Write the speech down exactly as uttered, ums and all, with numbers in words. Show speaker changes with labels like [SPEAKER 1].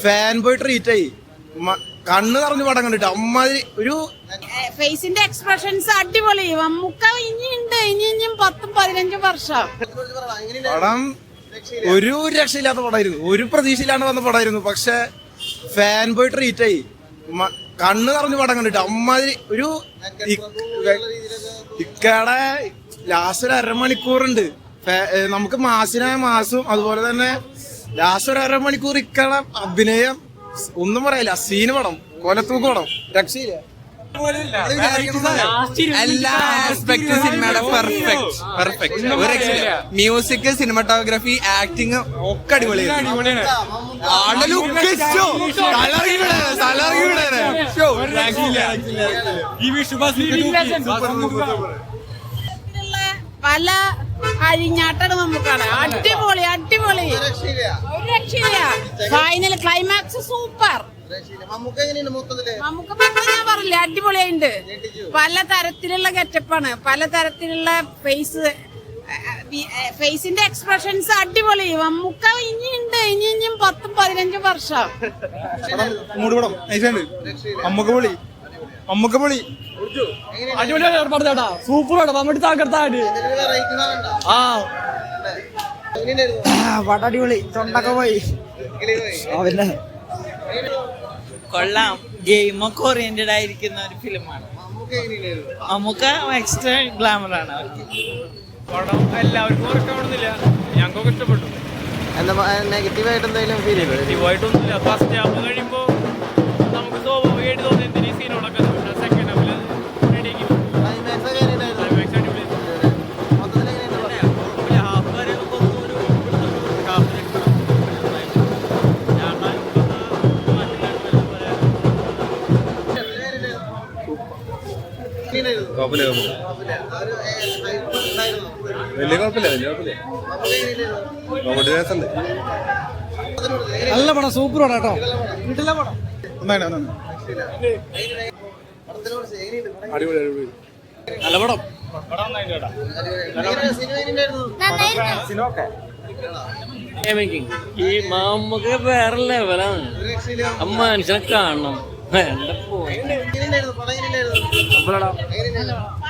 [SPEAKER 1] Fan boy treat ആയി. കണ്ണ് നിറഞ്ഞു പടം കണ്ടിട്ട് അമ്മാതിരി ഒരു
[SPEAKER 2] ഫേസിന്റെ എക്സ്പ്രഷൻസ് അടിപൊളി. മമ്മൂക്ക ഇനിയുണ്ട്, ഇനി ഇനിയും പത്തും പതിനഞ്ചും വർഷം.
[SPEAKER 1] പടം ഒരു രക്ഷയില്ലാത്ത പടമായിരുന്നു, ഒരു പ്രതീക്ഷയില്ലാണ്ട് വന്ന പടമായിരുന്നു. പക്ഷെ ഫാൻ ബോയ് ട്രീറ്റ് ആയി. കണ്ണ് നിറഞ്ഞു പടം കണ്ടിട്ട് അമ്മാതിരി ഒരു ഇക്കടെ ലാസ്റ്റ് ഒരു അരമണിക്കൂറുണ്ട്. നമുക്ക് മാസിനായ മാസും അതുപോലെ തന്നെ ലാസ്റ്റ് ഒരു അരമണിക്കൂർ ഇക്കടെ അഭിനയം ഒന്നും പറയില്ല. സീന് പടം, കൊലത്തൂക്ക് പടം, രക്ഷയില്ല.
[SPEAKER 3] എല്ലാ ആസ്പെക്ട് സിനിമയുടെ പെർഫെക്റ്റ് പെർഫെക്റ്റ് ഒരു രക്ഷയില്ല. മ്യൂസിക്, സിനിമാറ്റോഗ്രാഫി, ആക്ടിങ് ഒക്കെ അടിപൊളിയാണ്.
[SPEAKER 2] പല അഴിഞ്ഞാട്ടാണ് നമുക്കാണ്. അടിപൊളി അടിപൊളി, ഒരു രക്ഷയില്ല. Final climax super. നമുക്ക് ഞാൻ പറഞ്ഞില്ല, അടിപൊളിയായിട്ടുണ്ട്. പല തരത്തിലുള്ള ഗെറ്റപ്പാണ്, പല തരത്തിലുള്ള ഫേസ് ഫേസിന്റെ എക്സ്പ്രഷൻസ് അടിപൊളി. മമ്മൂക്ക ഇനിയുണ്ട്, ഇനി ഇനിയും പത്തും പതിനഞ്ചും വർഷം.
[SPEAKER 1] മൂടുപടം അമ്മക്കപ്പൊളി അമ്മക്കപ്പൊളി
[SPEAKER 4] അടിപൊളിയാണ്. സൂപ്പറാണ്. മമ്മൂട്ടി തകർത്താടി. ആ പടം അടിപൊളി. തൊണ്ടൊക്കെ പോയി. പിന്നെ
[SPEAKER 5] കൊള്ളാം. ഗെയിമൊക്കെ ഓറിയന്റഡ് ആയിരിക്കുന്ന ഒരു ഫിലിമാണ്. നമുക്ക് എക്സ്ട്രാ ഗ്ലാമർ ആണ് അവർക്ക്.
[SPEAKER 6] പടം എല്ലാവർക്കും ഇഷ്ടപ്പെടുന്നില്ല, ഞങ്ങൾക്കൊക്കെ ഇഷ്ടപ്പെട്ടു.
[SPEAKER 3] നെഗറ്റീവായിട്ട് എന്തെങ്കിലും ഫീൽ ചെയ്തു?
[SPEAKER 6] നെഗറ്റീവായിട്ടൊന്നുമില്ല. ഫസ്റ്റ് ഹാഫ് കഴിയുമ്പോൾ നമുക്ക് സ്വാഭാവികമായിട്ട് തോന്നി എന്തിനീ സീനുകളൊക്കെ. സെക്കൻഡ് ഹാഫിൽ റെഡിയാക്കി ഹാഫ് വരെ
[SPEAKER 1] വലിയ കുഴപ്പമില്ല, വലിയ കുഴപ്പമില്ല.
[SPEAKER 4] നല്ല പടം, സൂപ്പർ പടം കേട്ടോ. വീട്ടിലെ പടം
[SPEAKER 1] അടിപൊളി അടിപൊളി
[SPEAKER 4] നല്ല പടം.
[SPEAKER 5] ഈ നമുക്ക് വേറെ ലെവലാണ്. അമ്മ മനുഷ്യനെ കാണണം. വേണ്ട പോയി.